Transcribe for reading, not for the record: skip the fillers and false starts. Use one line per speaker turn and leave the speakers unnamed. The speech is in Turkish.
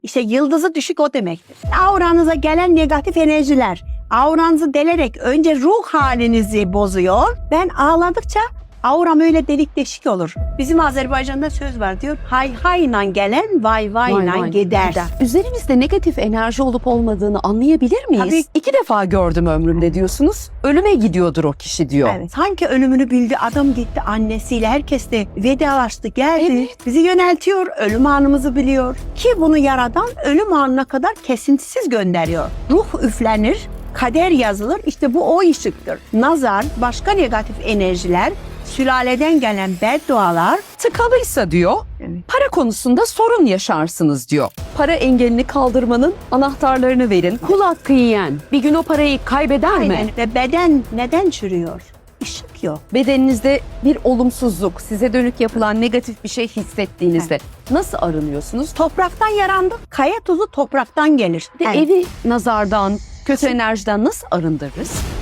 İşte yıldızı düşük o demektir. Auranıza gelen negatif enerjiler auranızı delerek önce ruh halinizi bozuyor. Ben ağladıkça auram öyle delik deşik olur. Bizim Azerbaycan'da söz var diyor. Hay hayla gelen vay vayla gider.
Üzerimizde negatif enerji olup olmadığını anlayabilir miyiz?
Tabii.
2 defa gördüm ömrümde diyorsunuz. Ölüme gidiyordur o kişi diyor.
Evet. Sanki ölümünü bildi. Adam gitti annesiyle. Herkes de vedalaştı geldi.
Evet.
Bizi yöneltiyor. Ölüm anımızı biliyor. Ki bunu yaradan ölüm anına kadar kesintisiz gönderiyor. Ruh üflenir. Kader yazılır. İşte bu o ışıktır. Nazar, başka negatif enerjiler, sülaleden gelen beddualar.
Tıkalıysa diyor,
Evet.
para konusunda sorun yaşarsınız diyor. Para engelini kaldırmanın anahtarlarını verin. Kul hakkı yiyen bir gün o parayı kaybeder mi?
Aynen. Ve beden neden çürüyor? Işık yok.
Bedeninizde bir olumsuzluk, size dönük yapılan negatif bir şey hissettiğinizde nasıl arınıyorsunuz?
Topraktan yarandık. Kaya tuzu topraktan gelir.
Evi nazardan, kötü enerjiden nasıl arındırırız?